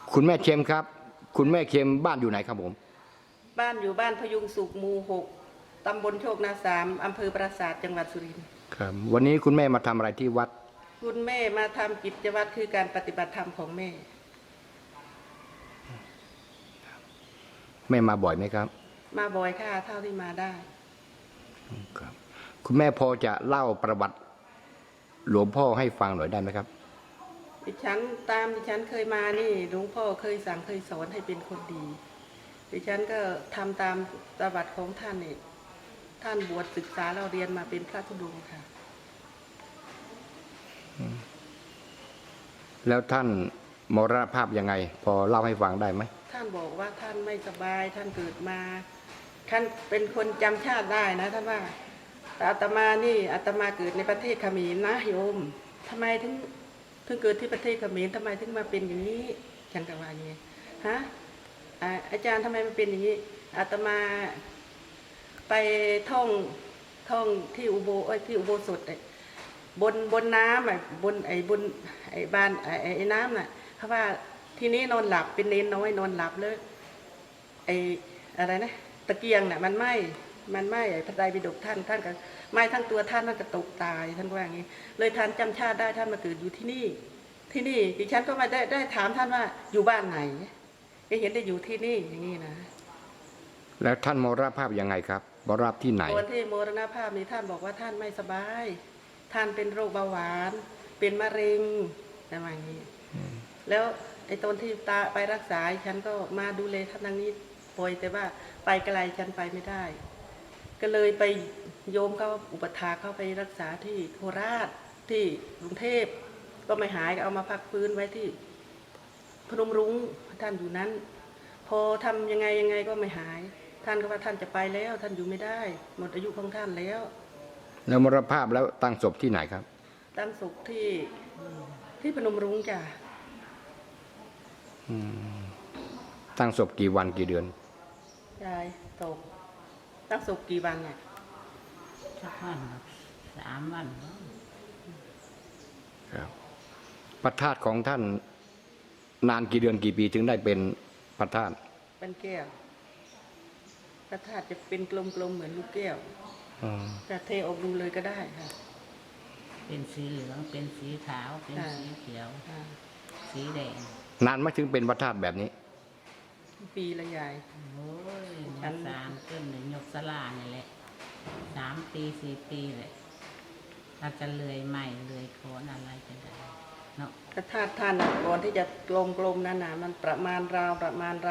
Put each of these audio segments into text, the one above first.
คุณแม่เค็มครับคุณแม่เค็มบ้านอยู่ไหนครับผมบ้านอยู่บ้านพยุงสุขหมู่ 6 ตำบลโชคนา3 อำเภอปราสาทจังหวัดสุรินทร์ครับวันนี้คุณแม่มาทำอะไรที่วัดคุณแม่มาทำกิจวัตรคือการปฏิบัติธรรมของแม่แม่มาบ่อยไหมครับมาบ่อยค่ะเท่าที่มาได้ครับคุณแม่พอจะเล่าประวัติหลวงพ่อให้ฟังหน่อยได้ไหมครับดิฉันเคยมานี่หลวงพ่อเคยสั่งเคยสอนให้เป็นคนดีดิฉันก็ทำตามประวัติของท่านนี่ท่านบวชศึกษาเราเรียนมาเป็นพระธุดงค์ค่ะแล้วท่านมรณภาพยังไงพอเล่าให้ฟังได้ไหมท่านบอกว่าท่านไม่สบายท่านเกิดมาท่านเป็นคนจำชาติได้นะท่านว่าแต่อาตมานี่อาตมาเกิดในประเทศเขมรนะโยมทำไมถึงเกิดที่ประเทศเขมรทำไมถึงมาเป็นอย่างนี้ฉันก็ว่าอย่างนี้ฮะอาจารย์ทำไมมันเป็นอย่างนี้อาตมาไปท่องที่ที่อุโบสถบนน้ำบนบ้านน้ำน่ะเพราะว่าที่นี้นอนหลับเป็นเนนน้อยนอนหลับเลยอะไรนะตะเกียงน่ะมันไหม้พระไตรปิฎกท่านก็ไหม้ทั้งตัวท่านก็ตกตายท่านว่าอย่างนี้เลยท่านจำชาติได้ท่านมาเกิดอยู่ที่นี่ดิฉันก็มาได้ถามท่านว่าอยู่บ้านไหนก็เห็นได้อยู่ที่นี่อย่างนี้นะแล้วท่านมรณภาพยังไงครับมรณภาพที่ไหนตอนที่มรณภาพนี้ท่านบอกว่าท่านไม่สบายท่านเป็นโรคเบาหวานเป็นมะเร็งอะไรอย่างนี้แล้วตอนที่ตาไปรักษาฉันก็มาดูแลท่านทางนี้ป่วยแต่ว่าไปไกลฉันไปไม่ได้ก็เลยไปโยมเขาอุปถาเข้าไปรักษาที่โคราชที่กรุงเทพก็ไม่หายก็เอามาพักฟื้นไว้ที่พนมรุ้งท่านอยู่นั้นพอทำยังไงก็ไม่หายท่านก็ว่าท่านจะไปแล้วท่านอยู่ไม่ได้หมดอายุของท่านแล้วมรณภาพแล้วตั้งศพที่ไหนครับตั้งศพที่พนมรุ้งจ้ะตั้งศพกี่วันกี่เดือนยายตกตั้งศพกี่วันเนี่ยสักวัน3 วันครับพระธาตุของท่านนานกี่เดือนกี่ปีถึงได้เป็นพระธาตุเป็นแก้วพระธาตุจะเป็นกลมๆเหมือนลูกแก้วจะเทออกดูเลยก็ได้ค่ะเป็นสีเหลืองเป็นสีขาวเป็นสีเขียวสีแดงนานไม่ถึงเป็นพระธาตุแบบนี้ปีละยายโอ้ยชั้น3ต้นหนึ่งยกสลานี่แหละ3 ปี4 ปีเลยถ้าจะเลื่อยใหม่เลื่อยโคนอะไรจะได้เนาะพระธาตุท่านก่อนที่จะกลมๆนั่นนะมันประมาณราว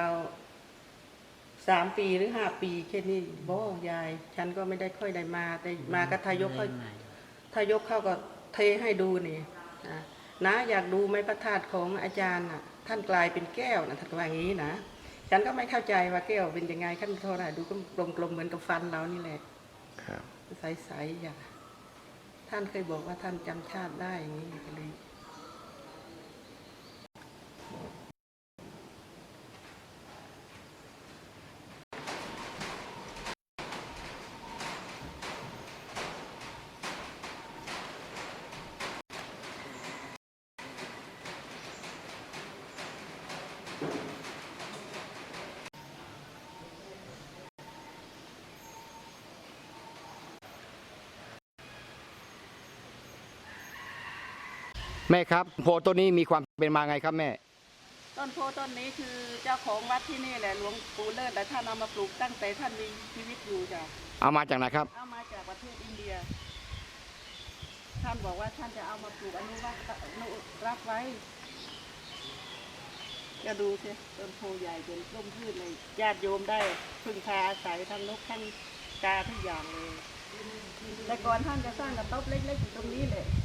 3 ปีหรือ5 ปีแค่นี้บ่ยายฉันก็ไม่ได้ค่อยได้มาแต่มาก็ทายกเข้าก็เทให้ดูนี่นะอยากดูไหมพระธาตุของอาจารย์น่ะท่านกลายเป็นแก้วนะท่านว่าอย่างนี้นะฉันก็ไม่เข้าใจว่าแก้วเป็นยังไงขั้นเท่าไหร่ดูก็กลมๆเหมือนกับฟันเรานี่แหละใสๆอย่างท่านเคยบอกว่าท่านจำชาติได้อย่างนี้ก็เลยแม่ครับโพต้นนี้มีความเป็นมาไงครับแม่ต้นโพต้นนี้คือเจ้าของวัดที่นี่แหละหลวงปู่เลิศแต่ท่านเอามาปลูกตั้งแต่ท่านมีชีวิตอยู่จ้ะเอามาจากไหนครับเอามาจากประเทศอินเดียท่านบอกว่าท่านจะเอามาปลูกอนุรักษ์ไว้จะดูสิต้นโพใหญ่เป็นร่มพืชเลยญาติโยมได้พึ่งพาอาศัยทั้งนกทั้งกาทุกอย่างเลยแต่ก่อนท่านจะสร้างกระต๊อบเล็กๆอยู่ตรงนี้เลย